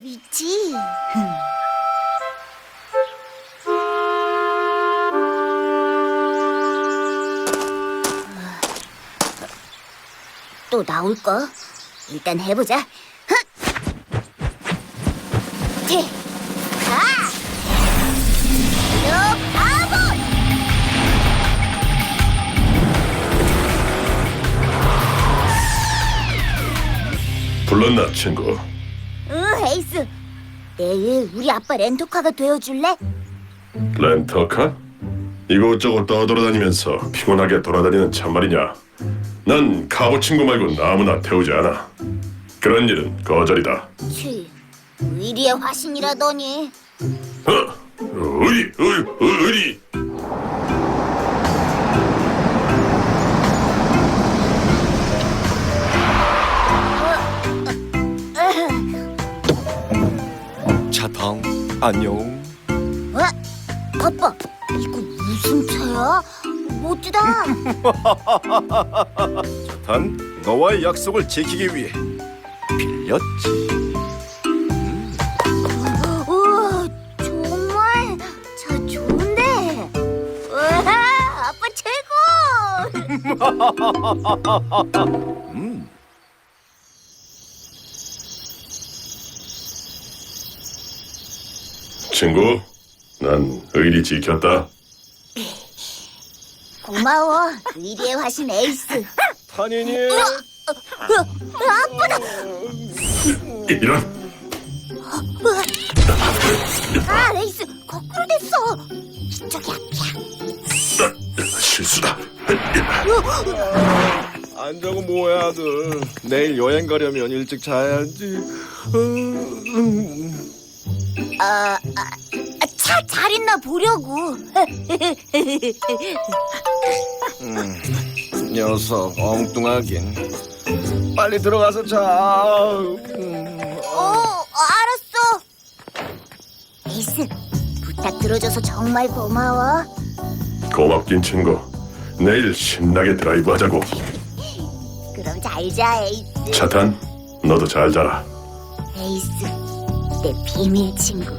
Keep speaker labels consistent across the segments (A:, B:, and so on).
A: 있지. 또 나올까? 일단 해보자. 가! 너 바보!
B: 불렀나, 친구?
A: 응, 에이스. 내일 우리 아빠 렌터카가 되어줄래?
B: 렌터카? 이곳저곳 떠돌아다니면서 피곤하게 돌아다니는 참말이냐? 난 카보 친구 말고 아무나 태우지 않아. 그런 일은 거절이다.
A: 치, 의리의 화신이라더니.
B: 의리.
C: 차탕 안녕.
A: 어? 아빠, 이거 무슨 차야? 멋지다.
C: 차탄 너와의 약속을 지키기 위해 빌렸지.
A: 우와, 정말 차 좋은데. 우와, 아빠 최고.
B: 친구, 난 의리 지켰다.
A: 고마워, 의리의 화신 에이스.
C: 탄인이
A: 아빠다.
B: 이런.
A: 아, 에이스 거꾸로 됐어. 이쪽이야.
B: 실수다.
C: 안 자고 뭐해 아들. 내일 여행 가려면 일찍 자야지.
A: 차 잘 있나 보려고.
C: 녀석 엉뚱하긴. 빨리 들어가서 자.
A: 알았어. 에이스, 부탁 들어줘서 정말 고마워.
B: 고맙긴 친구. 내일 신나게 드라이브 하자고.
A: 그럼 잘 자, 에이스.
B: 차탄, 너도 잘 자라.
A: 에이스, 내 비밀 친구.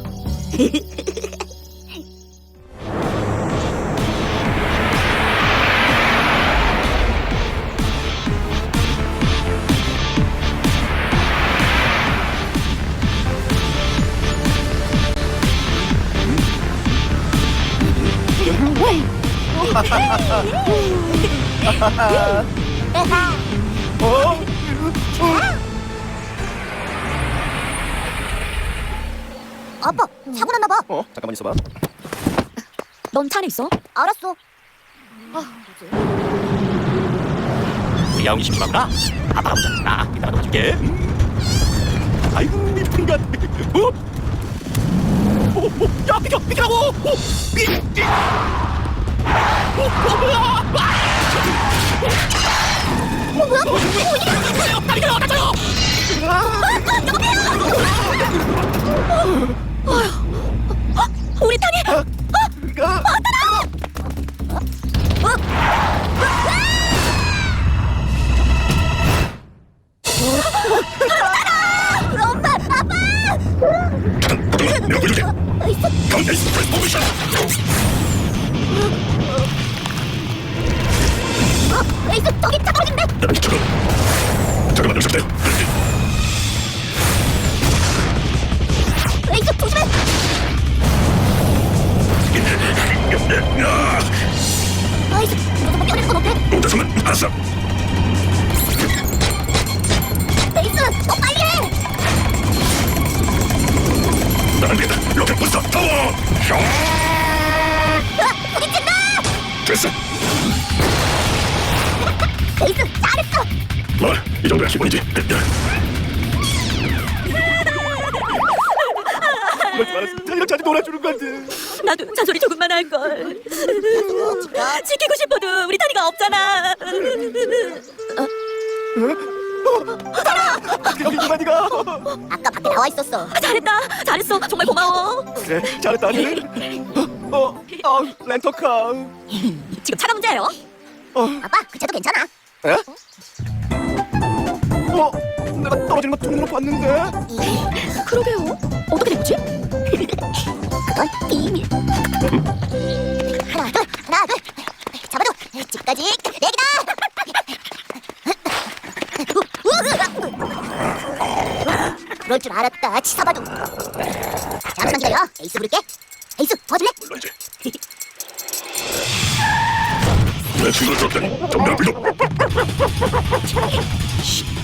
A: 아빠, 사고 났나 봐.
C: 잠깐만 있어봐.
A: 넌 차 안에 있어? 알았어.
D: 우리 야옹이 심심하구나. 아빠가 먼저 나 이따가 도와줄게. 아이고 미친가. 야 비켜라고. 다리 걸어 다쳐요.
A: 우리 탄이. 엄마, 아빠.
B: 내가 보여줄게. 에이스, 포지션.
A: 에이스, 저기 차 떨어진대.
B: 잠깐만 녀석들.
A: 에이스, 조심해. 에이스, 너도 뛰어내는 건 어때?
B: 못해서만 알았어.
A: 에이스, 더 빨리 해.
B: 안 되겠다. 로켓 부스터 타워.
A: 부딪힌다.
B: 됐어.
A: 에이스, 잘했어.
B: 이 정도야 기본이지.
C: 이런 자리 놀아주는 건데.
E: 나도 잔소리 조금만 할 걸. 지키고 싶어도 우리 탄이가 없잖아.
C: 여기 이만이가.
A: 아까 밖에 나와 있었어.
E: 잘했어. 정말 고마워.
C: 그래 잘했다 아들. 렌터카.
E: 지금 차가 문제예요.
A: 아빠, 그 차도 괜찮아.
C: 에? 내가 떨어지는 거 눈으로 봤는데.
E: 그러게요. 어떻게 된 거지?
A: 그건 비밀. 하나 둘 잡아도 집까지 내기다. 그럴 줄 알았다 치사바도. 잠깐만 기다려. 에이스 부를게. 에이스 도와줄래?
B: 물론이지. 내 친구를 줬더니 좀 넓히도.